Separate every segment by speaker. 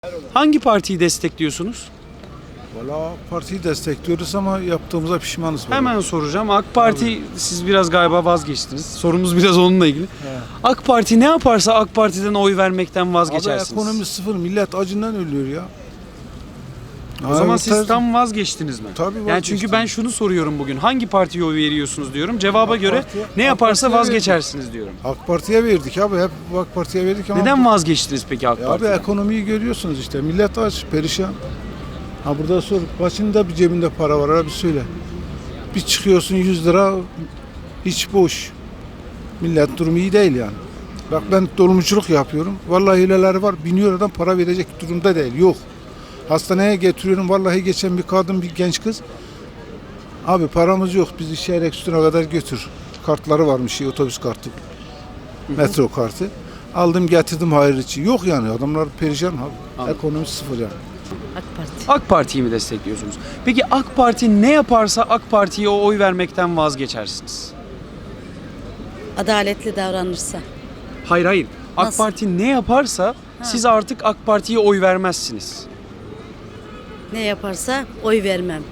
Speaker 1: Hangi partiyi destekliyorsunuz?
Speaker 2: Valla partiyi destekliyoruz ama yaptığımıza pişmanız.
Speaker 1: Hemen soracağım. AK Parti, siz biraz galiba vazgeçtiniz. Sorumuz biraz onunla ilgili. AK Parti ne yaparsa AK Parti'den oy vermekten vazgeçersiniz.
Speaker 2: Abi ekonomi sıfır. Millet acından ölüyor ya.
Speaker 1: O zaman siz tam vazgeçtiniz mi?
Speaker 2: Tabii
Speaker 1: Yani
Speaker 2: vazgeçtim.
Speaker 1: çünkü ben şunu soruyorum bugün. Hangi partiye oy veriyorsunuz diyorum. Cevaba
Speaker 2: AK
Speaker 1: göre
Speaker 2: Parti'ye-
Speaker 1: ne
Speaker 2: AK
Speaker 1: yaparsa
Speaker 2: Parti'ye
Speaker 1: vazgeçersiniz diyorum.
Speaker 2: AK Parti'ye verdik abi. Hep AK Parti'ye verdik ama...
Speaker 1: Neden vazgeçtiniz peki AK
Speaker 2: Abi
Speaker 1: Parti'den?
Speaker 2: ekonomiyi görüyorsunuz işte. Millet aç, perişan. Ha burada sor. Başında bir cebinde para var abi söyle. Bir çıkıyorsun 100 lira hiç boş. Millet durumu iyi değil yani. Bak ben dolmuşçuluk yapıyorum. Vallahi hileleri var. Biniyor adam para verecek durumda değil. Yok. Hastaneye getiriyorum. Vallahi geçen bir kadın, bir genç kız. Abi paramız yok. Bizi şehir üstüne kadar götür. Kartları varmış, otobüs kartı. Metro kartı. Aldım getirdim hayır için. Yok yani adamlar perişan abi.
Speaker 1: Anladım.
Speaker 2: Ekonomi sıfır yani.
Speaker 3: AK Parti.
Speaker 1: AK Parti'yi mi destekliyorsunuz? Peki AK Parti ne yaparsa AK Parti'ye oy vermekten vazgeçersiniz?
Speaker 3: Adaletli davranırsa.
Speaker 1: Hayır hayır. AK
Speaker 3: Nasıl?
Speaker 1: Parti ne yaparsa siz artık AK Parti'ye oy vermezsiniz.
Speaker 3: Ne yaparsa oy vermem.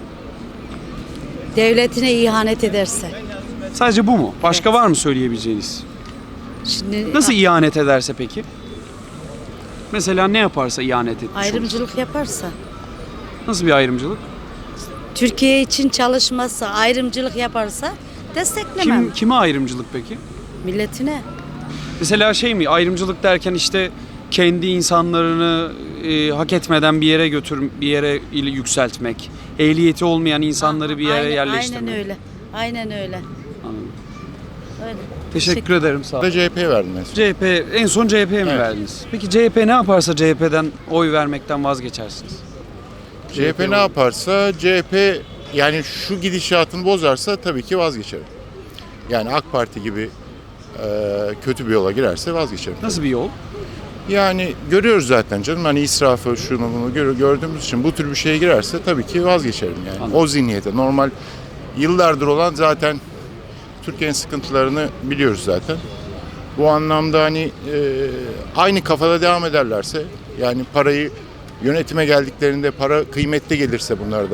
Speaker 3: Devletine ihanet ederse.
Speaker 1: Sadece bu mu? Başka
Speaker 3: Evet.
Speaker 1: var mı söyleyebileceğiniz?
Speaker 3: Şimdi
Speaker 1: Nasıl ihanet ederse peki? Mesela ne yaparsa ihanet etmiş olur?
Speaker 3: ayrımcılık yaparsa.
Speaker 1: Nasıl bir ayrımcılık?
Speaker 3: Türkiye için çalışmazsa, ayrımcılık yaparsa desteklemem.
Speaker 1: Kime ayrımcılık peki?
Speaker 3: Milletine.
Speaker 1: Mesela şey mi, ayrımcılık derken işte kendi insanlarını hak etmeden bir yere bir yere yükseltmek, ehliyeti olmayan insanları bir yere
Speaker 3: Aynen-
Speaker 1: yerleştirmek.
Speaker 3: Aynen öyle. Aynen öyle.
Speaker 1: Anladım.
Speaker 3: Öyle.
Speaker 1: Teşekkür ederim, sağ olun.
Speaker 4: Da CHP verdim mesela.
Speaker 1: CHP, en son CHP'ye mi
Speaker 4: Evet.
Speaker 1: verdiniz? Peki CHP ne yaparsa CHP'den oy vermekten vazgeçersiniz?
Speaker 4: CHP ne yaparsa CHP yani şu gidişatını bozarsa tabii ki vazgeçerim. Yani AK Parti gibi kötü bir yola girerse vazgeçerim.
Speaker 1: Nasıl bir yol?
Speaker 4: Yani görüyoruz zaten canım hani israfı şunu bunu gördüğümüz için bu tür bir şeye girerse tabii ki vazgeçerim yani.
Speaker 1: Anladım.
Speaker 4: O zihniyete normal yıllardır olan zaten Türkiye'nin sıkıntılarını biliyoruz zaten. Bu anlamda hani aynı kafada devam ederlerse yani parayı yönetime geldiklerinde para kıymetli gelirse bunlar da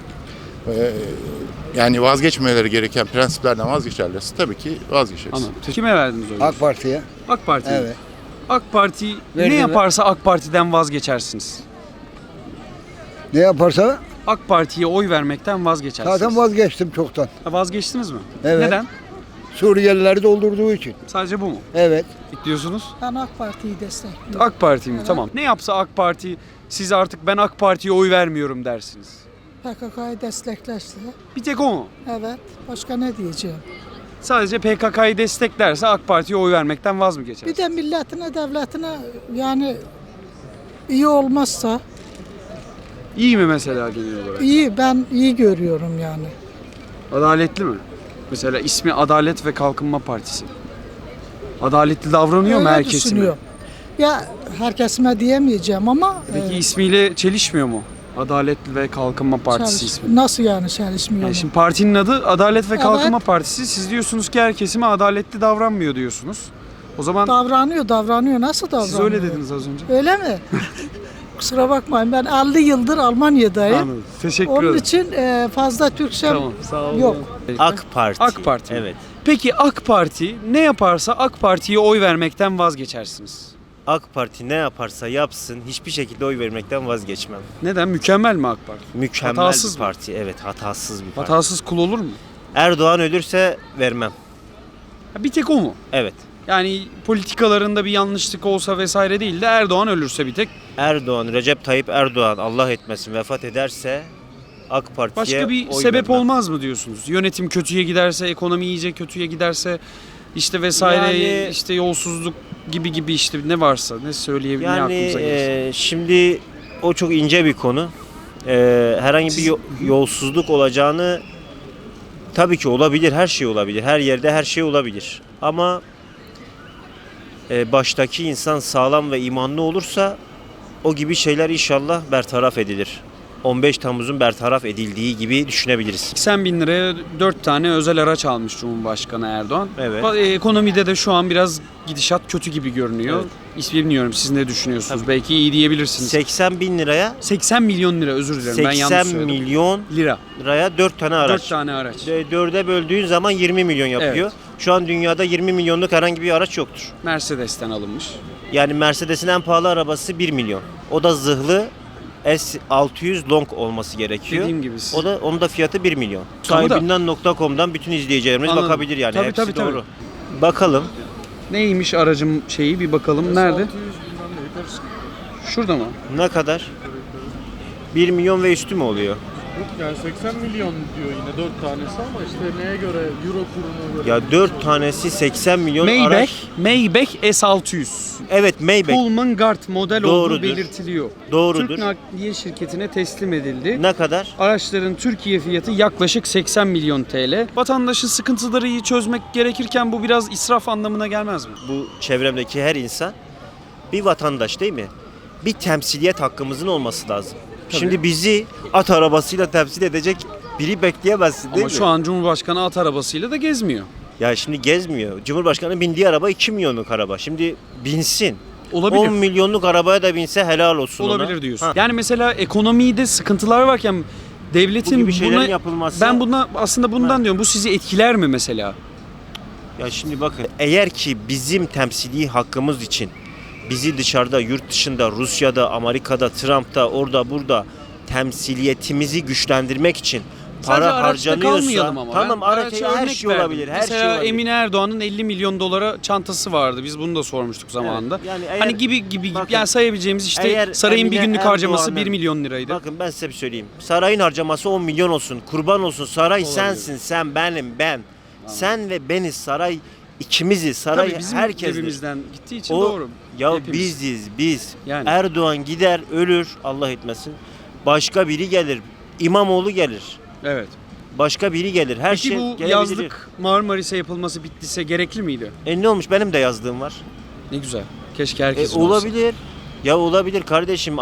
Speaker 4: yani vazgeçmeleri gereken prensiplerden vazgeçerlerse tabii ki vazgeçeriz.
Speaker 1: Anladım. Kime verdiniz oyu?
Speaker 5: AK Parti'ye.
Speaker 1: AK Parti.
Speaker 5: Evet.
Speaker 1: AK Parti ne
Speaker 5: Verdim.
Speaker 1: yaparsa AK Parti'den vazgeçersiniz.
Speaker 5: Ne yaparsa
Speaker 1: AK Parti'ye oy vermekten vazgeçersiniz.
Speaker 5: zaten vazgeçtim çoktan.
Speaker 1: Ha, vazgeçtiniz mi?
Speaker 5: Evet.
Speaker 1: Neden?
Speaker 5: Suriyelileri doldurduğu için.
Speaker 1: Sadece bu mu?
Speaker 5: Evet.
Speaker 1: Diyorsunuz?
Speaker 6: Ben AK Parti'yi destekliyorum.
Speaker 1: AK Parti mi? Tamam. Ne yapsa AK Parti, siz artık ben AK Parti'ye oy vermiyorum dersiniz.
Speaker 6: PKK'yı desteklerse
Speaker 1: Bir tek o mu?
Speaker 6: evet. Başka ne diyeceğim?
Speaker 1: Sadece PKK'yı desteklerse AK Parti'ye oy vermekten vaz mı geçer?
Speaker 6: Bir de milletine, devletine yani iyi olmazsa
Speaker 1: İyi mi mesela genel olarak?
Speaker 6: iyi, ben iyi görüyorum yani.
Speaker 1: Adaletli mi? Mesela ismi Adalet ve Kalkınma Partisi. Adaletli davranıyor mu
Speaker 6: Öyle
Speaker 1: her kesime?
Speaker 6: düşünüyorum. Ya herkesime diyemeyeceğim ama
Speaker 1: Peki ismiyle çelişmiyor mu? Adalet ve Kalkınma Partisi
Speaker 6: çalış-
Speaker 1: ismi.
Speaker 6: nasıl yani çalışmıyor?
Speaker 1: Yani şimdi partinin adı Adalet ve
Speaker 6: Evet.
Speaker 1: Kalkınma Partisi. Siz diyorsunuz ki her kesime adaletli davranmıyor diyorsunuz. O zaman
Speaker 6: Davranıyor. Nasıl davranıyor?
Speaker 1: siz öyle dediniz az önce.
Speaker 6: Öyle mi? Kusura bakmayın ben 50 yıldır Almanya'dayım.
Speaker 1: Anladım. Teşekkür
Speaker 6: Onun
Speaker 1: ederim.
Speaker 6: için fazla Türkçem
Speaker 1: Tamam, sağ olun.
Speaker 6: yok.
Speaker 7: AK Parti.
Speaker 1: AK Parti mi?
Speaker 7: Evet.
Speaker 1: Peki AK Parti ne yaparsa AK Parti'ye oy vermekten vazgeçersiniz.
Speaker 7: AK Parti ne yaparsa yapsın hiçbir şekilde oy vermekten vazgeçmem.
Speaker 1: Neden? Mükemmel mi AK Parti?
Speaker 7: Mükemmel
Speaker 1: Hatasız
Speaker 7: bir
Speaker 1: mı?
Speaker 7: parti. Evet, hatasız bir parti.
Speaker 1: Hatasız kul olur mu?
Speaker 7: Erdoğan ölürse vermem.
Speaker 1: Ha, bir tek o mu?
Speaker 7: Evet.
Speaker 1: Yani politikalarında bir yanlışlık olsa vesaire değil de Erdoğan ölürse bir tek.
Speaker 7: Erdoğan, Recep Tayyip Erdoğan Allah etmesin vefat ederse AK Parti'ye
Speaker 1: Başka bir
Speaker 7: oy
Speaker 1: sebep
Speaker 7: vermem.
Speaker 1: olmaz mı diyorsunuz? Yönetim kötüye giderse, ekonomi iyice kötüye giderse, işte vesaire,
Speaker 7: Yani-
Speaker 1: işte yolsuzluk gibi işte ne varsa ne söyleyebilir, ne
Speaker 7: Yani
Speaker 1: aklımıza gelirse.
Speaker 7: şimdi o çok ince bir konu. Herhangi bir yolsuzluk olacağını tabii ki olabilir. Her şey olabilir. Her yerde her şey olabilir. Ama baştaki insan sağlam ve imanlı olursa o gibi şeyler inşallah bertaraf edilir. 15 Temmuz'un bertaraf edildiği gibi düşünebiliriz.
Speaker 1: 80 bin liraya 4 tane özel araç almış Cumhurbaşkanı Erdoğan.
Speaker 7: Evet.
Speaker 1: Ekonomide de şu an biraz gidişat kötü gibi görünüyor.
Speaker 7: Evet.
Speaker 1: Bilmiyorum siz ne düşünüyorsunuz? Belki iyi diyebilirsiniz.
Speaker 7: 80 bin liraya
Speaker 1: 80 milyon lira, özür dilerim, ben yanlış
Speaker 7: 80
Speaker 1: söyledim.
Speaker 7: milyon
Speaker 1: Lira.
Speaker 7: liraya 4 tane araç.
Speaker 1: 4 tane araç.
Speaker 7: 4'e böldüğün zaman 20 milyon yapıyor.
Speaker 1: Evet.
Speaker 7: Şu an dünyada 20 milyonluk herhangi bir araç yoktur.
Speaker 1: Mercedes'ten alınmış.
Speaker 7: Yani Mercedes'in en pahalı arabası 1 milyon. O da zırhlı S600 Long olması gerekiyor.
Speaker 1: Dediğim gibi.
Speaker 7: Onun da fiyatı 1 milyon.
Speaker 1: Tamam da-
Speaker 7: Sahibinden.com'dan bütün izleyicilerimiz
Speaker 1: Anladım.
Speaker 7: bakabilir yani.
Speaker 1: Tabii,
Speaker 7: Hepsi
Speaker 1: tabii,
Speaker 7: doğru. Bakalım.
Speaker 1: Neymiş aracım şeyi, bir bakalım. Nerede? Şurada mı?
Speaker 7: Ne kadar? 1 milyon ve üstü mü oluyor?
Speaker 8: Yani 80 milyon diyor yine 4 tanesi ama işte neye göre, euro kuruna göre.
Speaker 7: Ya 4 tanesi 80 milyon
Speaker 1: Maybach S600.
Speaker 7: Evet, Maybach.
Speaker 1: Pullman Guard model olduğu
Speaker 7: Doğrudur.
Speaker 1: belirtiliyor.
Speaker 7: Doğrudur.
Speaker 1: Türk Nakliye Şirketi'ne teslim edildi.
Speaker 7: Ne kadar?
Speaker 1: Araçların Türkiye fiyatı yaklaşık 80 milyon TL. Vatandaşın sıkıntıları iyi çözmek gerekirken bu biraz israf anlamına gelmez mi?
Speaker 7: Bu çevremdeki her insan bir vatandaş değil mi? Bir temsiliyet hakkımızın olması lazım. Şimdi bizi at arabasıyla temsil edecek biri bekleyemezsin değil
Speaker 1: Ama
Speaker 7: mi?
Speaker 1: şu an Cumhurbaşkanı at arabasıyla da gezmiyor.
Speaker 7: Ya şimdi gezmiyor. Cumhurbaşkanı bindiği araba 2 milyonluk araba. Şimdi binsin.
Speaker 1: Olabilir.
Speaker 7: 10 milyonluk arabaya da binse helal olsun ona.
Speaker 1: Olabilir diyorsun.
Speaker 7: Ha.
Speaker 1: Yani mesela ekonomide sıkıntılar varken devletin
Speaker 7: Bu gibi şeylerin
Speaker 1: buna,
Speaker 7: yapılması...
Speaker 1: ben aslında bundan diyorum. Bu sizi etkiler mi mesela?
Speaker 7: Ya şimdi bakın, eğer ki bizim temsili hakkımız için bizi dışarıda, yurt dışında, Rusya'da, Amerika'da, Trump'ta, orada burada temsiliyetimizi güçlendirmek için
Speaker 1: Sadece
Speaker 7: para
Speaker 1: araçta
Speaker 7: harcanıyorsa,
Speaker 1: kalmayalım ama.
Speaker 7: tamam,
Speaker 1: Ben
Speaker 7: araç
Speaker 1: araça
Speaker 7: her
Speaker 1: örnek
Speaker 7: şey
Speaker 1: verdim.
Speaker 7: olabilir, her
Speaker 1: Mesela
Speaker 7: şey olabilir.
Speaker 1: Emine Erdoğan'ın 50 milyon dolara çantası vardı. Biz bunu da sormuştuk zamanında.
Speaker 7: Evet, yani eğer-
Speaker 1: Hani gibi
Speaker 7: bakın,
Speaker 1: yani sayabileceğimiz işte
Speaker 7: eğer
Speaker 1: sarayın bir
Speaker 7: Emine
Speaker 1: günlük harcaması
Speaker 7: Erdoğan'ın-
Speaker 1: 1 milyon liraydı.
Speaker 7: Bakın ben size bir söyleyeyim. Sarayın harcaması 10 milyon olsun. Kurban olsun. Saray
Speaker 1: Olabilir.
Speaker 7: sensin, sen benim, ben. Sen ve beniz, saray ikimizi, saray
Speaker 1: Tabii bizim
Speaker 7: herkesdir.
Speaker 1: cebimizden gittiği için
Speaker 7: O,
Speaker 1: doğru.
Speaker 7: ya
Speaker 1: Hepimiz.
Speaker 7: biz.
Speaker 1: Yani.
Speaker 7: Erdoğan gider, ölür, Allah etmesin. Başka biri gelir. İmamoğlu gelir.
Speaker 1: Evet.
Speaker 7: Başka biri gelir. Her
Speaker 1: Peki
Speaker 7: şey
Speaker 1: bu
Speaker 7: gelebilir.
Speaker 1: yazlık Marmaris'e yapılması bittiyse gerekli miydi?
Speaker 7: Ne olmuş? Benim de yazdığım var.
Speaker 1: Ne güzel. Keşke herkesin olsa.
Speaker 7: Olabilir. Ya olabilir kardeşim,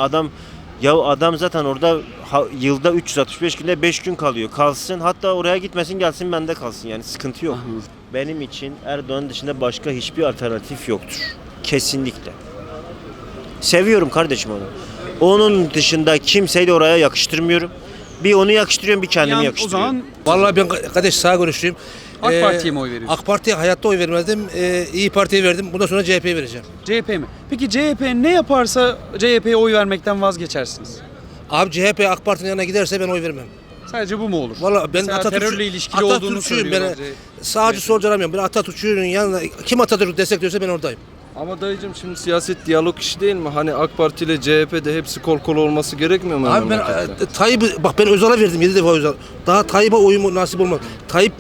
Speaker 7: adam zaten orada yılda 365 günde 5 gün kalıyor. Kalsın, hatta oraya gitmesin, gelsin bende kalsın, yani sıkıntı yok.
Speaker 1: Anladım.
Speaker 7: Benim için Erdoğan dışında başka hiçbir alternatif yoktur. Kesinlikle. Seviyorum kardeşim onu. Onun dışında kimseyi de oraya yakıştırmıyorum. Bir onu yakıştırıyorum, bir kendimi
Speaker 1: Yani o
Speaker 7: yakıştırıyorum.
Speaker 1: zaman
Speaker 9: Vallahi ben kardeş sağ görüşlüyüm.
Speaker 1: AK Parti'ye mi oy veriyorsun?
Speaker 9: AK Parti'ye hayatta oy vermezdim. İyi Parti'ye verdim. Bundan sonra CHP'ye vereceğim.
Speaker 1: CHP mi? Peki CHP ne yaparsa CHP'ye oy vermekten vazgeçersiniz?
Speaker 9: Abi CHP AK Parti'nin yanına giderse ben oy vermem.
Speaker 1: Sadece bu mu olur?
Speaker 9: Vallahi ben
Speaker 1: Mesela terörle ilişkili olduğunu söylüyorlar.
Speaker 9: Sağcı solcu aramıyorum. Ben Atatürk'ün yanına kim Atatürk destekliyorsa ben oradayım.
Speaker 10: Ama dayıcım şimdi siyaset diyalog işi değil mi? Hani AK Parti ile CHP'de hepsi kol kola olması gerekmiyor mu?
Speaker 9: Abi ben
Speaker 10: memlekette?
Speaker 9: Tayyip'i bak ben Özal'a verdim 7 defa Özal. Daha Tayyip'e oyumu nasip olmaz. Tayyip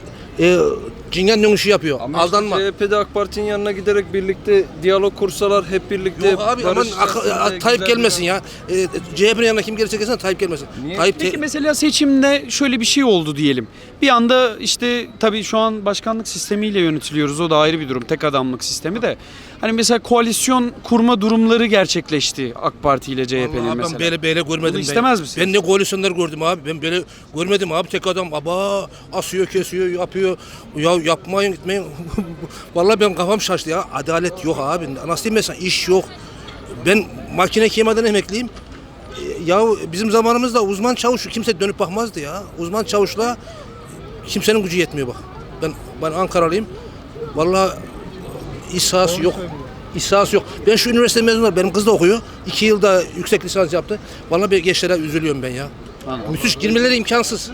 Speaker 9: cingen dönüşü yapıyor.
Speaker 10: Ama
Speaker 9: Aldanma.
Speaker 10: işte CHP'de AK Parti'nin yanına giderek birlikte diyalog kursalar, hep birlikte
Speaker 9: Yok abi aman
Speaker 10: barış içerisinde
Speaker 9: Tayyip
Speaker 10: güzel
Speaker 9: gelmesin
Speaker 10: bir-
Speaker 9: ya. CHP'nin yanına kim gelirse gelsin Tayyip gelmesin.
Speaker 10: Niye?
Speaker 9: Tayyip
Speaker 1: Peki mesela seçimde şöyle bir şey oldu diyelim. Bir anda işte tabii şu an başkanlık sistemiyle yönetiliyoruz. O da ayrı bir durum. Tek adamlık sistemi de. Hani mesela koalisyon kurma durumları gerçekleşti AK Parti ile CHP'nin
Speaker 9: Vallahi
Speaker 1: mesela.
Speaker 9: ben böyle görmedim.
Speaker 1: Bunu istemez
Speaker 9: ben.
Speaker 1: misiniz?
Speaker 9: Ben ne koalisyonlar gördüm abi. Ben böyle görmedim abi. Tek adam asıyor, kesiyor, yapıyor. Ya yapmayın, gitmeyin. Vallahi ben kafam şaştı ya. Adalet yok abi. Nasıl diyeyim mesela iş yok. Ben makine kemadan emekliyim. Ya bizim zamanımızda uzman çavuş kimse dönüp bakmazdı ya. Uzman çavuşla kimsenin gücü yetmiyor bak. Ben Ankaralıyım. Vallahi iş sahası yok. İş sahası yok. Ben şu üniversite mezunu var. Benim kız da okuyor. 2 yılda yüksek lisans yaptı. Vallahi bir gençlere üzülüyorum ben ya. Müthiş girmeleri imkansız.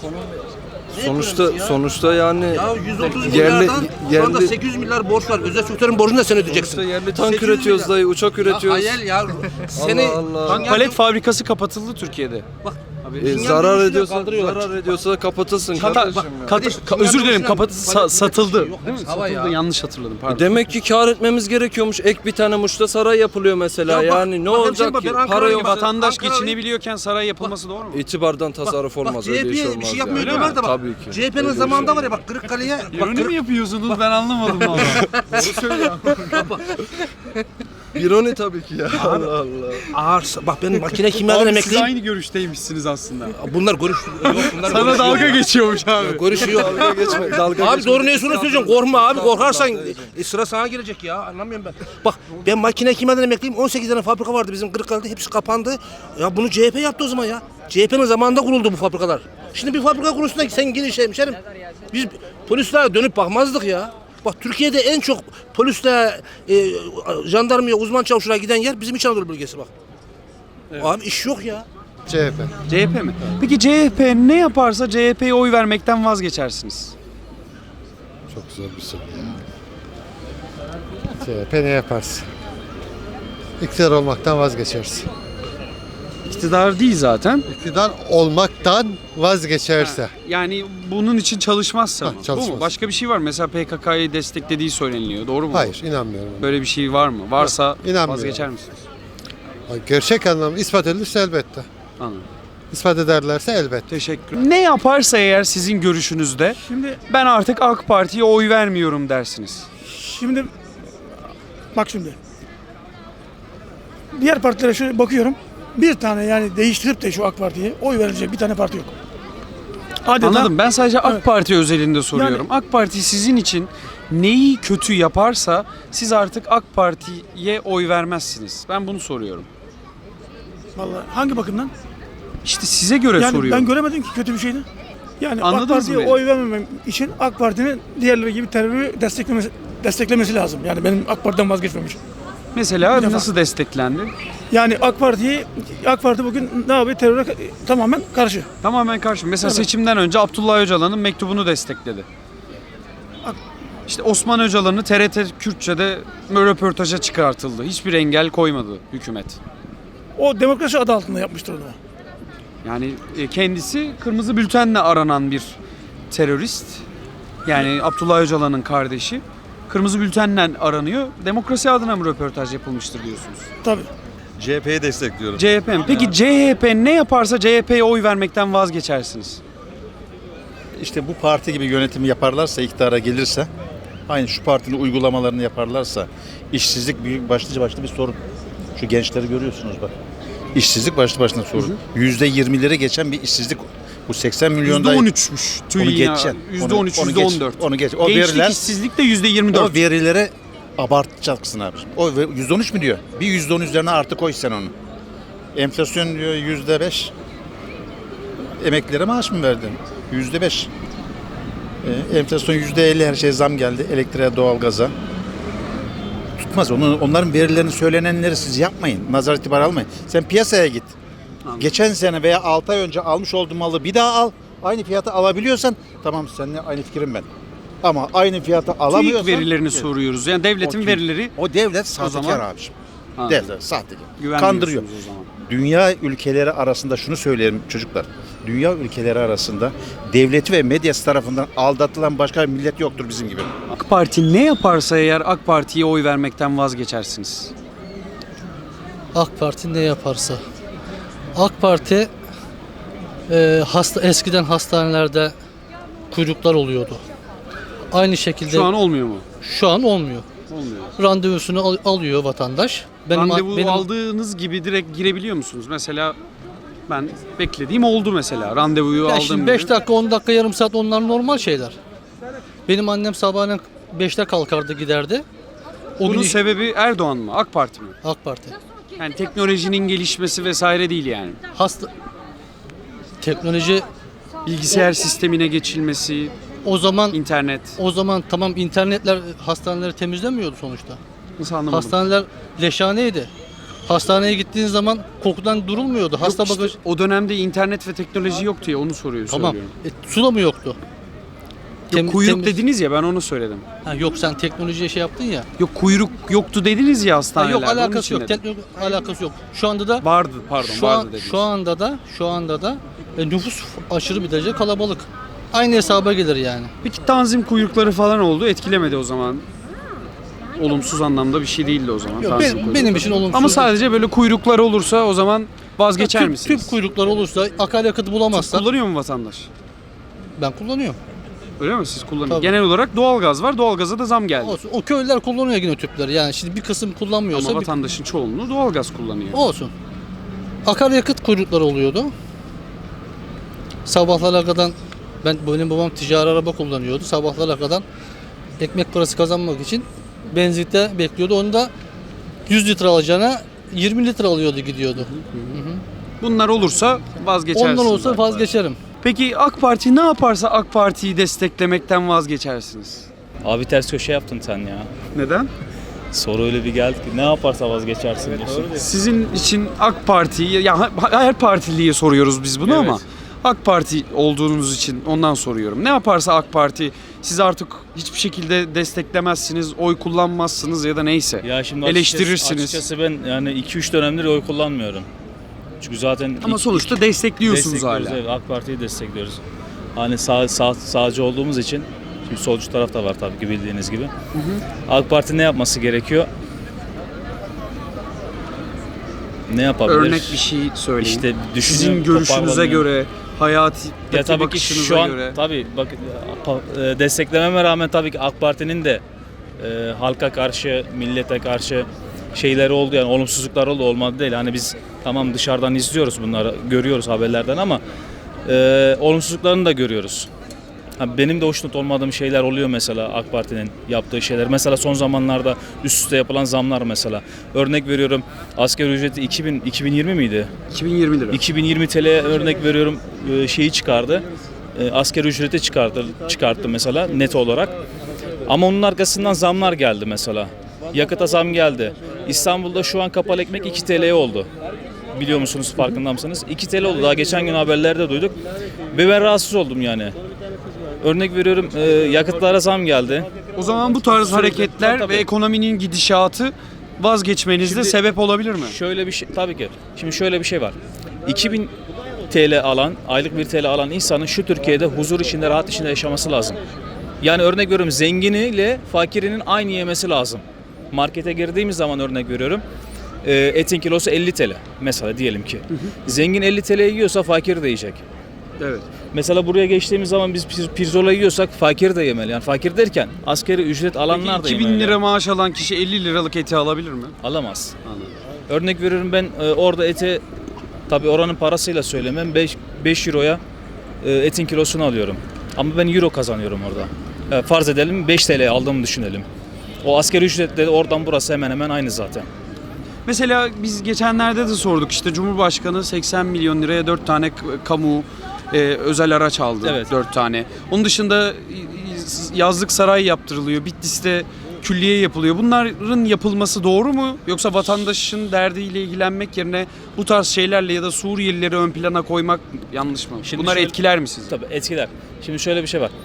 Speaker 10: Sonuçta yani
Speaker 9: Ya 130
Speaker 10: yerli-
Speaker 9: milyardan şu anda
Speaker 10: yerli-
Speaker 9: 800 milyar borç var. Özel sektörün borcunu da sen ödeyeceksin.
Speaker 10: sonuçta yerli tank
Speaker 9: 800
Speaker 10: üretiyoruz
Speaker 9: milyar.
Speaker 10: dayı, uçak üretiyoruz.
Speaker 9: Ya hayal ya. Seni
Speaker 10: Allah.
Speaker 1: Tank palet fabrikası kapatıldı Türkiye'de.
Speaker 9: Bak,
Speaker 10: Zarar ediyorsa da kapatılsın kardeşim ya.
Speaker 1: Özür dilerim satıldı.
Speaker 9: Yok,
Speaker 1: Değil mi?
Speaker 9: hepsi hava
Speaker 1: Satıldı.
Speaker 9: ya.
Speaker 1: Yanlış hatırladım. Pardon.
Speaker 10: Demek ki kar etmemiz gerekiyormuş. Ek bir tane Muş'ta saray yapılıyor mesela.
Speaker 9: Ya bak,
Speaker 10: yani ne
Speaker 9: bak
Speaker 10: olacak
Speaker 9: hemşerim,
Speaker 10: ki?
Speaker 9: ben Ankara'yım,
Speaker 10: Para yok.
Speaker 1: Vatandaş
Speaker 9: Ankara'yı-
Speaker 1: geçinebiliyorken saray yapılması doğru mu?
Speaker 10: İtibardan tasarruf olmaz. Öyle iş
Speaker 9: CHP'ye
Speaker 10: olmaz.
Speaker 9: bir şey
Speaker 10: yani.
Speaker 9: yapmıyor diyorlar da bak.
Speaker 10: Tabii ki.
Speaker 9: CHP'nin zamanında var ya bak Kırıkkale'ye bak
Speaker 1: İroni mi yapıyorsunuz? Ben anlamadım valla.
Speaker 9: Doğru söylüyor.
Speaker 10: İroni tabii ki ya. Allah Allah.
Speaker 9: Ağır, bak ben makine kimyadan
Speaker 1: Abi siz
Speaker 9: emekliyim.
Speaker 1: aynı görüşteymişsiniz aslında.
Speaker 9: Bunlar yok, bunlar
Speaker 1: Sana
Speaker 9: görüşüyor.
Speaker 1: dalga geçiyormuş abi.
Speaker 9: Görüşüyor.
Speaker 10: Dalga geçme. Dalga
Speaker 9: Abi
Speaker 10: geçme.
Speaker 9: doğru neyse onu söyleyeceğim. Korkma abi. Korkarsan sıra sana gelecek ya. Anlamıyorum ben. Bak ben makine kimyadan emekliyim. 18 tane fabrika vardı bizim Kırıkkale'de. Hepsi kapandı. Ya bunu CHP yaptı o zaman ya. CHP'nin zamanında kuruldu bu fabrikalar. Şimdi bir fabrika kurulsun da sen gidin hemşerim. Biz polislere dönüp bakmazdık ya. Bak Türkiye'de en çok polisle jandarmaya, uzman çavuşlara giden yer bizim İç Anadolu bölgesi bak. Abi iş yok ya.
Speaker 1: CHP mi? Peki CHP ne yaparsa CHP'ye oy vermekten vazgeçersiniz?
Speaker 11: Çok zor bir soru ya. CHP ne yaparsın? İktidar olmaktan vazgeçersin.
Speaker 1: İktidar değil zaten.
Speaker 11: İktidar olmaktan vazgeçerse.
Speaker 1: Yani bunun için çalışmazsa mı? Bu
Speaker 11: çalışmaz.
Speaker 1: mu? Başka bir şey var mı? Mesela PKK'yı desteklediği söyleniliyor. Doğru mu?
Speaker 11: Hayır, inanmıyorum.
Speaker 1: Böyle bir şey var mı? Varsa
Speaker 11: İnanmıyorum.
Speaker 1: vazgeçer misiniz?
Speaker 11: Gerçek anlamda ispat edilirse elbette.
Speaker 1: Anladım.
Speaker 11: İspat ederlerse elbette.
Speaker 1: Teşekkür. Ne yaparsa eğer sizin görüşünüzde
Speaker 6: Şimdi
Speaker 1: ben artık AK Parti'ye oy vermiyorum dersiniz.
Speaker 6: şimdi bak şimdi. Diğer partilere şöyle bakıyorum. Bir tane yani değiştirip de şu AK Parti'ye oy verilecek bir tane parti yok. Adeta,
Speaker 1: Anladım. Ben sadece AK
Speaker 6: Evet.
Speaker 1: Parti özelinde soruyorum. AK Parti sizin için neyi kötü yaparsa siz artık AK Parti'ye oy vermezsiniz. Ben bunu soruyorum.
Speaker 6: Vallahi hangi bakımdan?
Speaker 1: İşte size göre
Speaker 6: Yani
Speaker 1: soruyorum.
Speaker 6: ben göremedim ki kötü bir şeydi. Yani AK
Speaker 1: Anladınız mı
Speaker 6: Parti'ye
Speaker 1: beni?
Speaker 6: oy vermemem için AK Parti'nin diğerleri gibi terörü desteklemesi lazım. Yani benim AK Parti'den vazgeçmem için.
Speaker 1: Mesela
Speaker 6: Bir defa.
Speaker 1: nasıl desteklendi?
Speaker 6: Yani AK Parti bugün ne yapıyor? Teröre tamamen karşı.
Speaker 1: Tamamen karşı. Mesela
Speaker 6: Evet.
Speaker 1: seçimden önce Abdullah Öcalan'ın mektubunu destekledi.
Speaker 6: Ak-
Speaker 1: İşte Osman Öcalan'ı TRT Kürtçe'de röportaja çıkartıldı. Hiçbir engel koymadı hükümet.
Speaker 6: O demokrasi adı altında yapmıştır onu.
Speaker 1: Yani kendisi kırmızı bültenle aranan bir terörist. Yani Abdullah Öcalan'ın kardeşi. Kırmızı bültenle aranıyor. Demokrasi adına mı röportaj yapılmıştır diyorsunuz?
Speaker 6: Tabii.
Speaker 10: CHP'yi destekliyorum.
Speaker 1: CHP mi? Peki CHP ne yaparsa CHP'ye oy vermekten vazgeçersiniz.
Speaker 12: İşte bu parti gibi yönetimi yaparlarsa, iktidara gelirse, aynı şu partinin uygulamalarını yaparlarsa, işsizlik büyük başlı bir sorun. Şu gençleri görüyorsunuz bak. İşsizlik başlı başına sorun. %20'leri geçen bir işsizlik. Bu 80 milyonda...
Speaker 1: %13'müş.
Speaker 12: Onu geçeceksin.
Speaker 1: %13,
Speaker 12: Onu geç,
Speaker 1: %14.
Speaker 12: onu geç. O
Speaker 1: Gençlik
Speaker 12: veriler,
Speaker 1: işsizlik de %24.
Speaker 12: o verilere abartacaksın abi. O %13 mü diyor? Bir %10 üzerine artı koy sen onu. Enflasyon diyor %5. Emeklilere maaş mı verdin? %5. Enflasyon %50, her şey zam geldi. Elektriğe, doğalgaza. Tutmaz. Onların verilerini, söylenenleri siz yapmayın. Nazar itibar almayın. Sen piyasaya git.
Speaker 1: Anladım.
Speaker 12: Geçen sene veya 6 ay önce almış olduğun malı bir daha al. Aynı fiyata alabiliyorsan tamam, seninle aynı fikrim ben. Ama aynı fiyata alamıyorsan...
Speaker 1: TÜİK verilerini soruyoruz. Yani devletin
Speaker 12: TÜİK.
Speaker 1: verileri
Speaker 12: O devlet sahtekar
Speaker 1: zaman-
Speaker 12: abiciğim.
Speaker 1: Anladım.
Speaker 12: Devlet sahtekar.
Speaker 1: Güvenmiyorsunuz
Speaker 12: Kandırıyor.
Speaker 1: o zaman.
Speaker 12: Dünya ülkeleri arasında şunu söyleyelim çocuklar. Dünya ülkeleri arasında devleti ve medyası tarafından aldatılan başka bir millet yoktur bizim gibi.
Speaker 1: AK Parti ne yaparsa eğer AK Parti'ye oy vermekten vazgeçersiniz.
Speaker 13: AK Parti ne yaparsa. AK Parti eskiden hastanelerde kuyruklar oluyordu. Aynı şekilde
Speaker 1: Şu an olmuyor mu?
Speaker 13: şu an olmuyor.
Speaker 1: Olmuyor.
Speaker 13: Randevusunu alıyor vatandaş.
Speaker 1: Randevu aldığınız gibi direkt girebiliyor musunuz? Mesela ben beklediğim oldu mesela. Randevuyu
Speaker 13: Ya
Speaker 1: aldım
Speaker 13: şimdi
Speaker 1: gibi.
Speaker 13: 5 dakika 10 dakika yarım saat onlar normal şeyler. Benim annem sabahleyin 5'te kalkardı giderdi. O
Speaker 1: Bunun
Speaker 13: gün
Speaker 1: sebebi Erdoğan mı? AK Parti mi?
Speaker 13: AK Parti.
Speaker 1: Yani teknolojinin gelişmesi vesaire değil yani.
Speaker 13: Teknoloji
Speaker 1: Bilgisayar sistemine geçilmesi,
Speaker 13: o
Speaker 1: internet.
Speaker 13: zaman tamam, internetler hastaneleri temizlemiyordu sonuçta.
Speaker 1: Nasıl anlamadım?
Speaker 13: Hastaneler leşhaneydi. Hastaneye gittiğin zaman kokudan durulmuyordu. Hasta
Speaker 1: Yok işte,
Speaker 13: bagaj
Speaker 1: o dönemde internet ve teknoloji yoktu ya, onu soruyor.
Speaker 13: tamam.
Speaker 1: Söylüyorum.
Speaker 13: Su da mı yoktu?
Speaker 1: Yok, kuyruk dediniz ya, ben onu söyledim.
Speaker 13: Ha, yok, sen teknolojiye şey yaptın ya.
Speaker 1: Yok, kuyruk yoktu dediniz ya
Speaker 13: Ha,
Speaker 1: hastanelerde.
Speaker 13: yok,
Speaker 1: onun
Speaker 13: alakası
Speaker 1: için
Speaker 13: yok.
Speaker 1: dedim.
Speaker 13: Teknoloji alakası yok. Şu anda da
Speaker 1: Vardı, pardon, vardı dediniz.
Speaker 13: şu anda da nüfus aşırı bir derece kalabalık. Aynı hesaba gelir yani.
Speaker 1: Peki tanzim kuyrukları falan oldu, etkilemedi o zaman. Olumsuz anlamda bir şey değildi o zaman.
Speaker 13: Yok,
Speaker 1: tanzim kuyrukları.
Speaker 13: benim için olumsuz.
Speaker 1: Ama sadece böyle kuyruklar olursa o zaman vazgeçer misiniz?
Speaker 13: Tüp kuyruklar olursa, akaryakıt bulamazsak
Speaker 1: Kullanıyor mu vatandaş?
Speaker 13: ben kullanıyorum.
Speaker 1: Öyle mi? Siz kullanıyorsunuz.
Speaker 13: Tabii.
Speaker 1: Genel olarak doğalgaz var. Doğalgaza da zam geldi.
Speaker 13: Olsun. O köylüler kullanıyor yine tüpleri. Yani şimdi bir kısım kullanmıyorsa
Speaker 1: Ama vatandaşın çoğunluğu doğalgaz kullanıyor.
Speaker 13: olsun. Akaryakıt kuyrukları oluyordu. Sabahlara kadar benim babam ticari araba kullanıyordu. Sabahlara kadar ekmek parası kazanmak için benzinlikte bekliyordu. Onu da 100 litre alacağına 20 litre alıyordu gidiyordu.
Speaker 1: Bunlar olursa vazgeçersiniz.
Speaker 13: Ondan olsa
Speaker 1: AK Parti.
Speaker 13: vazgeçerim.
Speaker 1: Peki AK Parti ne yaparsa AK Parti'yi desteklemekten vazgeçersiniz?
Speaker 14: Abi ters köşe yaptın sen ya.
Speaker 1: Neden?
Speaker 14: Soru öyle bir geldi ki ne yaparsa vazgeçersin diyorsun.
Speaker 1: Sizin için AK Parti'yi, ya her partiliye soruyoruz biz bunu ama AK Parti olduğunuz için ondan soruyorum. Ne yaparsa AK Parti siz artık hiçbir şekilde desteklemezsiniz, oy kullanmazsınız ya da neyse.
Speaker 14: Ya şimdi
Speaker 1: eleştirirsiniz.
Speaker 14: Açıkçası ben yani 2-3 dönemdir oy kullanmıyorum. Çünkü zaten
Speaker 1: Ama sonuçta destekliyorsunuz hala.
Speaker 14: Evet, AK Parti'yi destekliyoruz. Hani sağcı olduğumuz için, şimdi solcu taraf da var tabii ki bildiğiniz gibi. AK Parti ne yapması gerekiyor? Ne yapabilir?
Speaker 1: Örnek bir şey söyleyin.
Speaker 14: İşte
Speaker 1: Sizin görüşünüze göre, hayati
Speaker 14: ya tabii ki
Speaker 1: bakışınıza
Speaker 14: şu an
Speaker 1: göre.
Speaker 14: tabii bak desteklememe rağmen tabii ki AK Parti'nin de halka karşı, millete karşı şeyleri oldu, yani olumsuzluklar oldu, olmadı değil. Hani biz tamam dışarıdan izliyoruz bunları, görüyoruz haberlerden ama olumsuzluklarını da görüyoruz. Benim de hoşnut olmadığım şeyler oluyor mesela AK Parti'nin yaptığı şeyler. Mesela son zamanlarda üst üste yapılan zamlar mesela. Örnek veriyorum, asgari ücreti 2020 miydi?
Speaker 1: 2020 lira.
Speaker 14: 2020 TL'ye örnek veriyorum şeyi çıkardı. Asgari ücreti çıkarttı mesela net olarak. Ama onun arkasından zamlar geldi mesela. Yakıta zam geldi. İstanbul'da şu an kapalı ekmek 2 TL'ye oldu. Biliyor musunuz, farkında mısınız? 2 TL oldu. Daha geçen gün haberlerde duyduk. Ve ben rahatsız oldum yani. Örnek veriyorum, yakıtlara zam geldi.
Speaker 1: O zaman bu tarz hareketler ve ekonominin gidişatı vazgeçmenizde sebep olabilir mi?
Speaker 14: Şöyle bir şey, tabii ki. Şimdi şöyle bir şey var. 2000 TL alan, aylık 1 TL alan insanın şu Türkiye'de huzur içinde, rahat içinde yaşaması lazım. Yani örnek veriyorum, zenginiyle fakirinin aynı yemesi lazım. Markete girdiğimiz zaman örnek veriyorum, etin kilosu 50 TL mesela diyelim ki. Zengin 50 TL yiyorsa fakir de yiyecek.
Speaker 1: Evet.
Speaker 14: Mesela buraya geçtiğimiz zaman biz pirzola yiyorsak fakir de yemeli. Yani fakir derken asgari ücret alanlar da
Speaker 1: Peki
Speaker 14: yemeli.
Speaker 1: 2000 lira maaş alan kişi 50 liralık eti alabilir mi?
Speaker 14: Alamaz. Örnek veriyorum, ben orada ete, tabii oranın parasıyla söylemem, 5 euroya etin kilosunu alıyorum. Ama ben euro kazanıyorum orada. Farz edelim 5 TL aldığımı düşünelim. O asgari ücretle oradan burası hemen hemen aynı zaten.
Speaker 1: Mesela biz geçenlerde de sorduk, işte Cumhurbaşkanı 80 milyon liraya 4 tane kamu özel araç aldı.
Speaker 14: Evet.
Speaker 1: 4 tane. Onun dışında yazlık saray yaptırılıyor. Bitlis'te külliye yapılıyor. Bunların yapılması doğru mu? Yoksa vatandaşın derdiyle ilgilenmek yerine bu tarz şeylerle ya da Suriyelileri ön plana koymak yanlış mı?
Speaker 14: Şimdi
Speaker 1: Bunlar
Speaker 14: şöyle-
Speaker 1: etkiler mi sizi?
Speaker 14: Tabii etkiler. Şimdi şöyle bir şey var.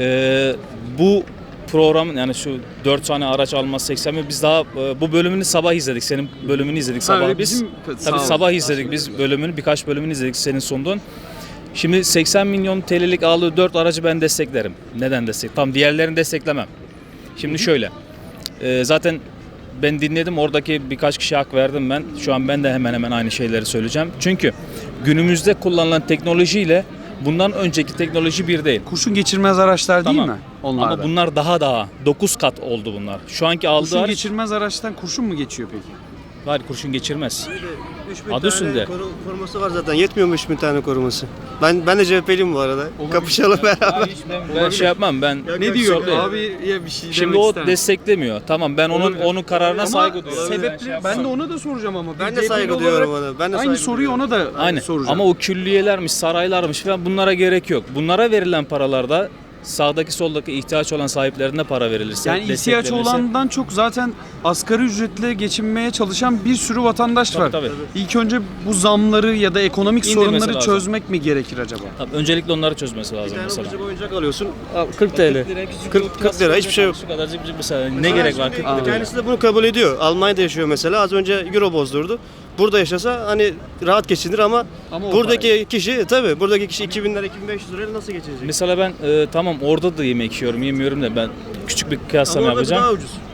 Speaker 14: Bu programın, yani şu 4 tane araç alması 80 milyon, biz daha bu bölümünü sabah izledik. Senin bölümünü izledik sabah
Speaker 1: öyle
Speaker 14: biz.
Speaker 1: sağ
Speaker 14: Tabii
Speaker 1: olun.
Speaker 14: sabah izledik biz bölümünü, birkaç bölümünü izledik senin sunduğun. Şimdi 80 milyon TL'lik aldığı 4 aracı ben desteklerim. Neden destek? Tam diğerlerini desteklemem. Şimdi şöyle. Zaten ben dinledim, oradaki birkaç kişiye hak verdim ben. Şu an ben de hemen hemen aynı şeyleri söyleyeceğim. Çünkü günümüzde kullanılan teknolojiyle bundan önceki teknoloji bir değil.
Speaker 1: Kurşun geçirmez araçlar değil
Speaker 14: Tamam.
Speaker 1: mi? Onlar
Speaker 14: Ama bunlar daha 9 kat oldu bunlar. Şu anki aldığı
Speaker 1: kurşun
Speaker 14: araç,
Speaker 1: geçirmez araçtan kurşun mu geçiyor peki?
Speaker 14: hayır, kurşun geçirmez.
Speaker 15: 3000
Speaker 14: Adı üstünde.
Speaker 15: koruması var zaten. Yetmiyor mu 3000 tane koruması? Ben de CHP'liyim bu arada. Kapışalım beraber.
Speaker 14: Ben şey yapmam, ben
Speaker 1: Ne diyor
Speaker 14: Söyle.
Speaker 1: abi ya bir şey
Speaker 14: Şimdi
Speaker 1: demek
Speaker 14: o
Speaker 1: ister misin?
Speaker 14: desteklemiyor. Tamam, ben onun kararına
Speaker 1: Ama
Speaker 14: saygı duyuyorum.
Speaker 1: sebepleri ben de ona da soracağım ama.
Speaker 15: Ben
Speaker 1: Bir
Speaker 15: de saygı
Speaker 1: CHP'li
Speaker 15: duyuyorum
Speaker 1: olarak
Speaker 15: ona. Ben de
Speaker 1: aynı
Speaker 15: saygı
Speaker 1: soruyu
Speaker 15: duyuyorum.
Speaker 1: ona da
Speaker 14: Aynen.
Speaker 1: soracağım.
Speaker 14: Ama o külliyelermiş, saraylarmış falan, bunlara gerek yok. Bunlara verilen paralarda sağdaki soldaki ihtiyaç olan sahiplerine para verilirse,
Speaker 1: yani ihtiyaç
Speaker 14: desteklenirse-
Speaker 1: olandan çok zaten asgari ücretle geçinmeye çalışan bir sürü vatandaş var.
Speaker 14: Tabii.
Speaker 1: İlk önce bu zamları ya da ekonomik
Speaker 14: İndirmesi
Speaker 1: sorunları
Speaker 14: lazım.
Speaker 1: çözmek mi gerekir acaba?
Speaker 14: Tabii, öncelikle onları çözmesi
Speaker 15: Bir
Speaker 14: lazım
Speaker 15: tane
Speaker 14: mesela.
Speaker 15: ucuz oyuncak alıyorsun. 40 TL. 40 lira hiçbir şey yok.
Speaker 14: Şu kadarcık mesela ne gerek var 40 lira?
Speaker 15: Kendisi de bunu kabul ediyor. Almanya'da yaşıyor mesela. Az önce euro bozdurdu. Burada yaşasa hani rahat geçinir ama
Speaker 1: Ama o
Speaker 15: buradaki kişi tabii buradaki kişi 2000 lira 2500 lirayla nasıl geçinecek?
Speaker 14: Mesela ben tamam orada da yemek yiyorum, yemiyorum da ben küçük bir kıyaslama
Speaker 15: Ama orada
Speaker 14: yapacağım.
Speaker 15: daha ucuz.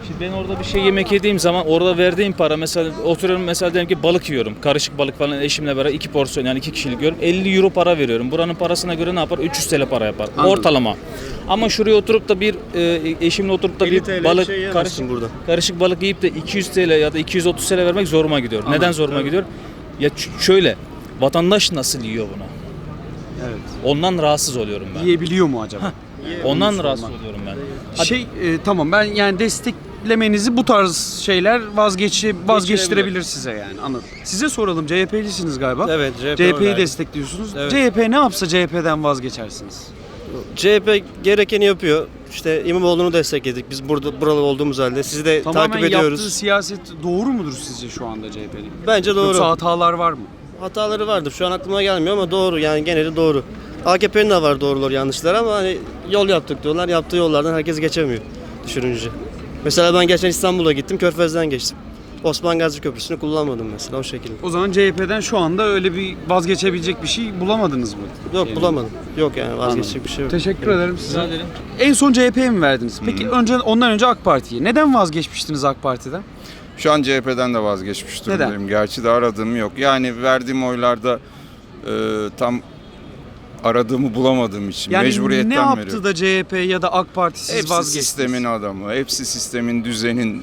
Speaker 14: Şimdi ben orada bir şey yemek yediğim zaman orada verdiğim para mesela oturuyorum mesela diyelim ki balık yiyorum. Karışık balık falan eşimle beraber 2 porsiyon yani 2 kişilik yiyorum. 50 euro para veriyorum. Buranın parasına göre ne yapar? 300 TL para yapar.
Speaker 1: Anladım.
Speaker 14: Ortalama. Ama şuraya oturup da eşimle oturup da
Speaker 15: 50
Speaker 14: bir
Speaker 15: TL
Speaker 14: balık
Speaker 15: şey yemezsin burada.
Speaker 14: karışık balık yiyip de 200 TL ya da 230 TL vermek zoruma gidiyor. Neden zoruma gidiyor? Ya şöyle vatandaş nasıl yiyor bunu?
Speaker 1: Evet.
Speaker 14: Ondan rahatsız oluyorum ben.
Speaker 1: Yiyebiliyor mu acaba?
Speaker 14: Ondan
Speaker 1: Onu
Speaker 14: rahatsız
Speaker 1: sormak.
Speaker 14: oluyorum ben.
Speaker 1: Tamam ben yani desteklemenizi bu tarz şeyler vazgeçtirebilir size yani anladım. Size soralım CHP'lisiniz galiba.
Speaker 15: Evet,
Speaker 1: CHP'yi destekliyorsunuz.
Speaker 15: Evet.
Speaker 1: CHP ne yapsa CHP'den vazgeçersiniz.
Speaker 15: CHP gerekeni yapıyor. İşte İmamoğlu'nu destekledik. Biz buralı olduğumuz halde. Sizi de
Speaker 1: Tamamen
Speaker 15: takip ediyoruz.
Speaker 1: yaptığı siyaset doğru mudur sizce şu anda CHP'nin?
Speaker 15: Bence doğru.
Speaker 1: Yoksa hatalar var mı?
Speaker 15: Hataları vardır. Şu an aklıma gelmiyor ama doğru. Yani geneli doğru. AKP'nin de var doğrular yanlışlar ama hani yol yaptık diyorlar. Yaptığı yollardan herkes geçemiyor düşününce. Mesela ben geçen İstanbul'a gittim. Körfez'den geçtim. Osman Gazi Köprüsü'nü kullanmadım mesela o şekilde.
Speaker 1: O zaman CHP'den şu anda öyle bir vazgeçebilecek bir şey bulamadınız mı?
Speaker 15: Yok bulamadım. Yok yani vazgeçecek bir şey yok.
Speaker 1: Teşekkür ederim size.
Speaker 14: Rica ederim.
Speaker 1: En son CHP'ye mi verdiniz? Peki ondan önce AK Parti'ye. Neden vazgeçmiştiniz AK Parti'den?
Speaker 16: Şu an CHP'den de vazgeçmiş durumdayım.
Speaker 1: Neden?
Speaker 16: Gerçi de aradığım yok. Yani verdiğim oylarda tam aradığımı bulamadığım için
Speaker 1: Yani
Speaker 16: mecburiyetten
Speaker 1: ne yaptı
Speaker 16: veriyorum.
Speaker 1: da CHP ya da AK Parti siz
Speaker 16: Hepsi
Speaker 1: vazgeçtiniz?
Speaker 16: sistemin adamı, hepsi sistemin, düzenin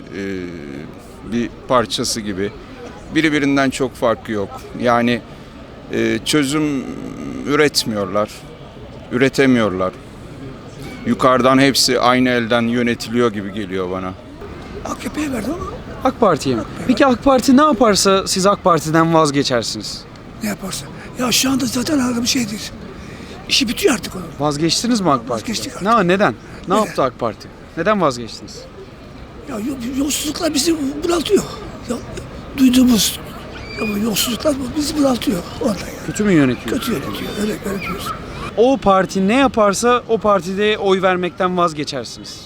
Speaker 16: bir parçası gibi. Birinden çok farkı yok. Yani çözüm üretmiyorlar, üretemiyorlar. Yukarıdan hepsi aynı elden yönetiliyor gibi geliyor bana.
Speaker 6: AKP'ye verdi ama
Speaker 1: AK Parti'ye mi? Peki AK Parti ne yaparsa siz AK Parti'den vazgeçersiniz?
Speaker 6: ne yaparsa. Ya şu anda zaten harika bir şey değil. İşi bitiyor artık onun.
Speaker 1: Vazgeçtiniz mi AK Parti'den?
Speaker 6: Vazgeçtik artık.
Speaker 1: Neden? Ne
Speaker 6: Neden?
Speaker 1: yaptı AK Parti? Neden vazgeçtiniz?
Speaker 6: Ya yolsuzluklar bizi bunaltıyor. Ya, duyduğumuz yolsuzluklar bizi bunaltıyor ondan yani.
Speaker 1: Kötü mü yönetiyor?
Speaker 6: Kötü yönetiyor. Öyle diyoruz.
Speaker 1: O parti ne yaparsa o partide oy vermekten vazgeçersiniz.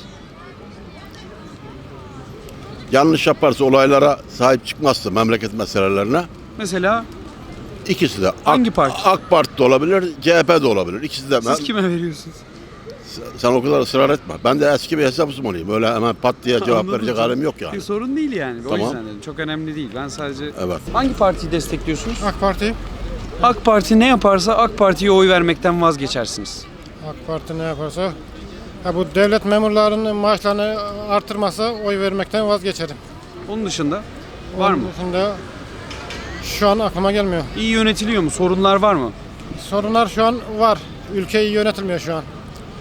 Speaker 17: Yanlış yaparsa olaylara sahip çıkmazsa memleket meselelerine
Speaker 1: Mesela
Speaker 17: ikisi de
Speaker 1: hangi parti?
Speaker 17: AK Parti de olabilir, CHP de olabilir. İkisi de.
Speaker 1: Siz kime veriyorsunuz?
Speaker 17: Sen o kadar ısrar etme. Ben de eski bir hesapsızım olayım. Öyle hemen pat diye cevap
Speaker 1: Anladım
Speaker 17: verecek
Speaker 1: canım.
Speaker 17: halim yok yani.
Speaker 1: Bir sorun değil yani. O
Speaker 17: Tamam.
Speaker 1: yüzden dedim. Çok önemli değil. Ben sadece...
Speaker 17: Evet.
Speaker 1: Hangi partiyi destekliyorsunuz?
Speaker 11: AK Parti.
Speaker 1: AK Parti ne yaparsa AK Parti'ye oy vermekten vazgeçersiniz.
Speaker 11: AK Parti ne yaparsa. Bu devlet memurlarının maaşlarını artırmasa oy vermekten vazgeçerim.
Speaker 1: Onun dışında var mı?
Speaker 11: Onun dışında şu an aklıma gelmiyor.
Speaker 1: İyi yönetiliyor mu? Sorunlar var mı?
Speaker 11: Sorunlar şu an var. Ülke iyi yönetilmiyor şu an.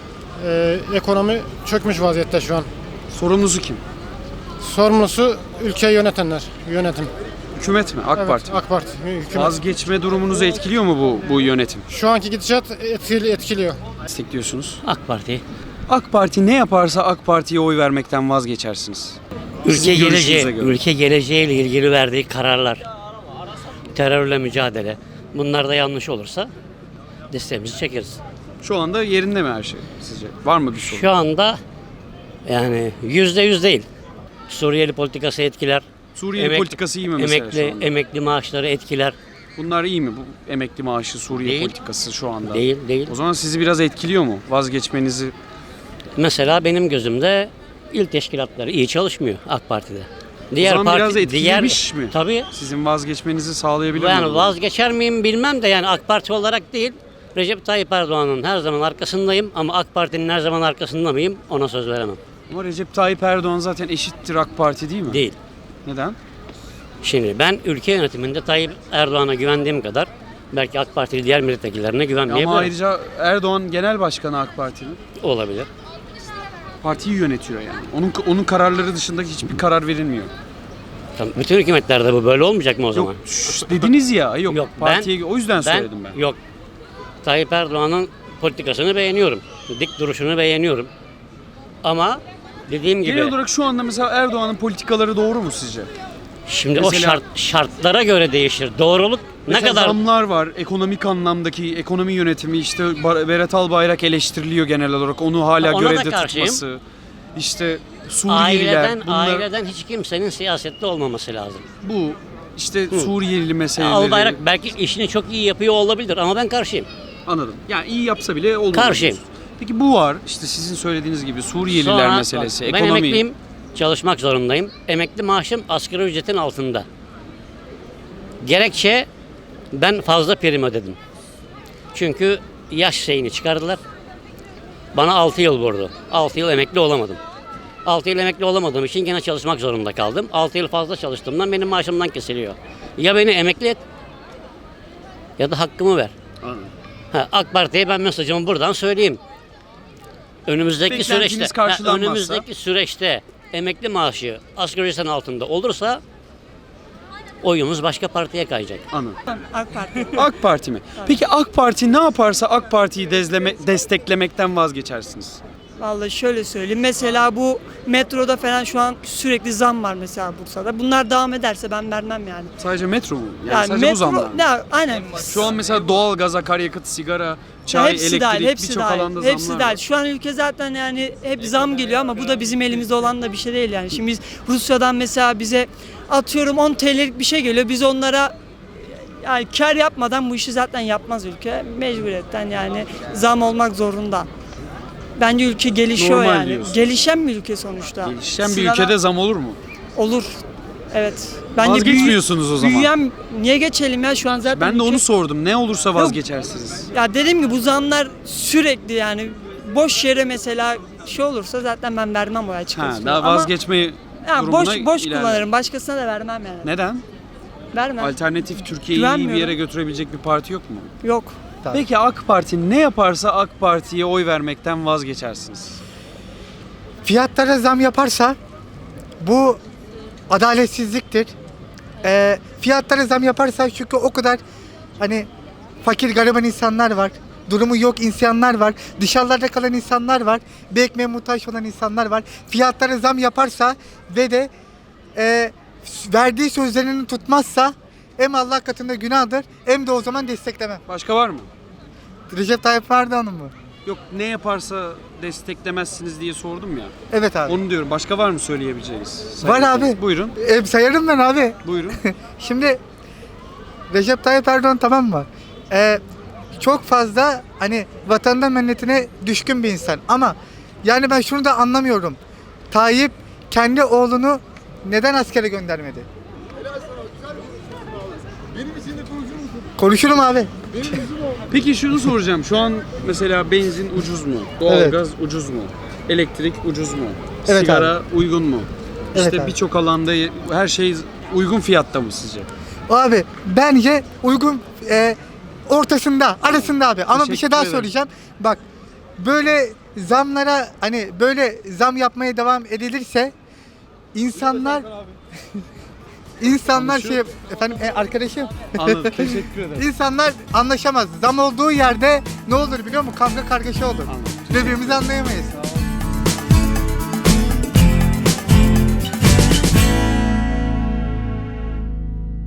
Speaker 11: Ekonomi çökmüş vaziyette şu an.
Speaker 1: Sorumlusu kim?
Speaker 11: Sorumlusu ülkeyi yönetenler, yönetim.
Speaker 1: Hükümet mi? AK
Speaker 11: Evet,
Speaker 1: Parti mi?
Speaker 11: AK Parti. Hükümet.
Speaker 1: Vazgeçme durumunuzu etkiliyor mu bu yönetim?
Speaker 11: Şu anki gidişat etkiliyor.
Speaker 1: Destekliyorsunuz.
Speaker 18: AK Parti.
Speaker 1: AK Parti ne yaparsa AK Parti'ye oy vermekten vazgeçersiniz. Sizin
Speaker 18: Ülke
Speaker 1: görüşünüze
Speaker 18: geleceği,
Speaker 1: göre.
Speaker 18: ülke geleceğiyle ilgili verdiği kararlar, terörle mücadele, bunlar da yanlış olursa desteğimizi çekeriz.
Speaker 1: Şu anda yerinde mi her şey sizce? Var mı bir sorun?
Speaker 18: Şu anda yani %100 değil. Suriyeli politikası etkiler.
Speaker 1: Suriyeli politikası iyi mi mesela şu anda?
Speaker 18: Emekli maaşları etkiler.
Speaker 1: Bunlar iyi mi? Bu emekli maaşı, Suriye
Speaker 18: Değil.
Speaker 1: politikası şu anda.
Speaker 18: Değil.
Speaker 1: O zaman sizi biraz etkiliyor mu? Vazgeçmenizi.
Speaker 18: Mesela benim gözümde il teşkilatları iyi çalışmıyor AK Parti'de.
Speaker 1: O zaman biraz etkilemiş mi?
Speaker 18: Tabii.
Speaker 1: Sizin vazgeçmenizi sağlayabilir mi?
Speaker 18: Yani vazgeçer miyim bilmem de yani AK Parti olarak değil. Recep Tayyip Erdoğan'ın her zaman arkasındayım ama AK Parti'nin her zaman arkasında mıyım ona söz veremem.
Speaker 1: Ama Recep Tayyip Erdoğan zaten eşittir AK Parti değil mi?
Speaker 18: Değil.
Speaker 1: Neden?
Speaker 18: Şimdi ben ülke yönetiminde Tayyip Erdoğan'a güvendiğim kadar belki AK Partili diğer milletvekillerine güvenmeyebilirim.
Speaker 1: Ama ayrıca Erdoğan genel başkanı AK Parti'nin.
Speaker 18: Olabilir.
Speaker 1: Partiyi yönetiyor yani. Onun kararları dışında hiçbir karar verilmiyor.
Speaker 18: Tamam, bütün hükümetlerde bu böyle olmayacak mı o zaman?
Speaker 1: Dediniz ya. Yok. Partiye, o yüzden
Speaker 18: ben
Speaker 1: söyledim ben.
Speaker 18: Yok. Tayyip Erdoğan'ın politikasını beğeniyorum. Dik duruşunu beğeniyorum. Ama dediğim gibi...
Speaker 1: Genel olarak şu anda mesela Erdoğan'ın politikaları doğru mu sizce?
Speaker 18: Şimdi
Speaker 1: mesela,
Speaker 18: o şartlara göre değişir. Doğruluk ne kadar...
Speaker 1: zamlar var. Ekonomik anlamdaki ekonomi yönetimi işte Berat Albayrak eleştiriliyor genel olarak. Onu hala
Speaker 18: Ona da
Speaker 1: görevde
Speaker 18: karşıyım.
Speaker 1: tutması. İşte Suriyeliler.
Speaker 18: Aileden hiç kimsenin siyasette olmaması lazım.
Speaker 1: Bu işte Suriyeli meseleleri.
Speaker 18: Albayrak belki işini çok iyi yapıyor olabilir ama ben karşıyım.
Speaker 1: Anladım. Yani iyi yapsa bile olmaz.
Speaker 18: Karşıyım.
Speaker 1: Peki bu var. İşte sizin söylediğiniz gibi Suriyeliler
Speaker 18: Sonra,
Speaker 1: meselesi.
Speaker 18: bak, ben
Speaker 1: ekonomi.
Speaker 18: emekliyim. çalışmak zorundayım. Emekli maaşım asgari ücretin altında. Gerekçe ben fazla prim ödedim. Çünkü yaş şeyini çıkardılar. Bana 6 yıl vurdu. 6 yıl emekli olamadım. 6 yıl emekli olamadığım için gene çalışmak zorunda kaldım. 6 yıl fazla çalıştığımdan benim maaşımdan kesiliyor. Ya beni emekli et ya da hakkımı ver. AK Parti'ye ben mesajımı buradan söyleyeyim. Önümüzdeki süreçte emekli maaşı asgari ücretin altında olursa oyumuz başka partiye kayacak.
Speaker 1: Anladım.
Speaker 19: AK Parti.
Speaker 1: AK Parti mi? Peki AK Parti ne yaparsa AK Parti'yi desteklemekten vazgeçersiniz?
Speaker 19: Vallahi şöyle söyleyeyim. Mesela bu metroda falan şu an sürekli zam var mesela Bursa'da. Bunlar devam ederse ben vermem yani.
Speaker 1: Sadece metro mu? Yani sadece bu zamlar mı?
Speaker 19: Aynen.
Speaker 1: Şu an mesela doğalgaz, akaryakıt, sigara, çay,
Speaker 19: hepsi
Speaker 1: elektrik
Speaker 19: dahil, hepsi
Speaker 1: birçok
Speaker 19: dahil,
Speaker 1: alanda
Speaker 19: hepsi
Speaker 1: zamlar
Speaker 19: dahil.
Speaker 1: var.
Speaker 19: Şu an ülke zaten yani hep zam geliyor ama bu da bizim elimizde olan da bir şey değil yani. Şimdi biz Rusya'dan mesela bize atıyorum 10 TL'lik bir şey geliyor. Biz onlara yani kar yapmadan bu işi zaten yapmaz ülke. Mecburiyetten yani zam olmak zorunda. Bence ülke gelişiyor
Speaker 1: Normal
Speaker 19: yani.
Speaker 1: diyorsun.
Speaker 19: Gelişen bir ülke sonuçta.
Speaker 1: Gelişen bir
Speaker 19: Sıradan-
Speaker 1: ülkede zam olur mu?
Speaker 19: Olur. Evet.
Speaker 1: Vazgeçmiyorsunuz o zaman.
Speaker 19: Büyüyen niye geçelim ya şu an zaten
Speaker 1: Ben de
Speaker 19: ülke-
Speaker 1: onu sordum. Ne olursa vazgeçersiniz.
Speaker 19: Ya dediğim gibi bu zamlar sürekli yani boş yere mesela şey olursa zaten ben vermem o açıkçası.
Speaker 1: Daha
Speaker 19: Ama
Speaker 1: vazgeçmeyi
Speaker 19: ya
Speaker 1: durumuna
Speaker 19: boş
Speaker 1: ilerler.
Speaker 19: kullanırım. Başkasına da vermem yani.
Speaker 1: Neden?
Speaker 19: Vermem.
Speaker 1: Alternatif Türkiye'yi iyi bir
Speaker 19: Güvenmiyorum.
Speaker 1: yere götürebilecek bir parti yok mu?
Speaker 19: Yok.
Speaker 1: Peki AK Parti ne yaparsa AK Parti'ye oy vermekten vazgeçersiniz.
Speaker 20: Fiyatlara zam yaparsa bu adaletsizliktir. Fiyatlara zam yaparsa çünkü o kadar hani fakir gariban insanlar var. Durumu yok insanlar var. Dışarılarda kalan insanlar var. Bir ekmeğe muhtaç olan insanlar var. Fiyatlara zam yaparsa ve de verdiği sözlerini tutmazsa hem Allah katında günahdır hem de o zaman desteklemem.
Speaker 1: Başka var mı?
Speaker 20: Recep Tayyip Erdoğan'ın mı?
Speaker 1: Yok ne yaparsa desteklemezsiniz diye sordum ya.
Speaker 20: Evet abi.
Speaker 1: Onu diyorum. Başka var mı söyleyebileceğiniz?
Speaker 20: Var abi.
Speaker 1: Buyurun.
Speaker 20: Sayarım ben abi.
Speaker 1: Buyurun.
Speaker 20: Şimdi Recep Tayyip Erdoğan tamam mı? Çok fazla hani vatandan milletine düşkün bir insan ama yani ben şunu da anlamıyorum. Tayyip kendi oğlunu neden askere göndermedi? Konuşurum abi.
Speaker 1: Peki şunu soracağım. Şu an mesela benzin ucuz mu? Doğalgaz ucuz mu? Elektrik ucuz mu?
Speaker 20: Evet
Speaker 1: Sigara uygun mu?
Speaker 20: Evet
Speaker 1: İşte
Speaker 20: abi.
Speaker 1: birçok alanda her şey uygun fiyatta mı sizce?
Speaker 20: Abi bence uygun ortasında, arasında abi. Ama bir
Speaker 1: Teşekkür
Speaker 20: şey daha
Speaker 1: ederim.
Speaker 20: söyleyeceğim. Bak böyle zamlara hani böyle zam yapmaya devam edilirse insanlar efendim arkadaşım.
Speaker 1: Anladım. Teşekkür ederim.
Speaker 20: İnsanlar anlaşamaz. Zam olduğu yerde ne olur biliyor musun? Kavga kargaşa olur. Birbirimizi anlayamayız.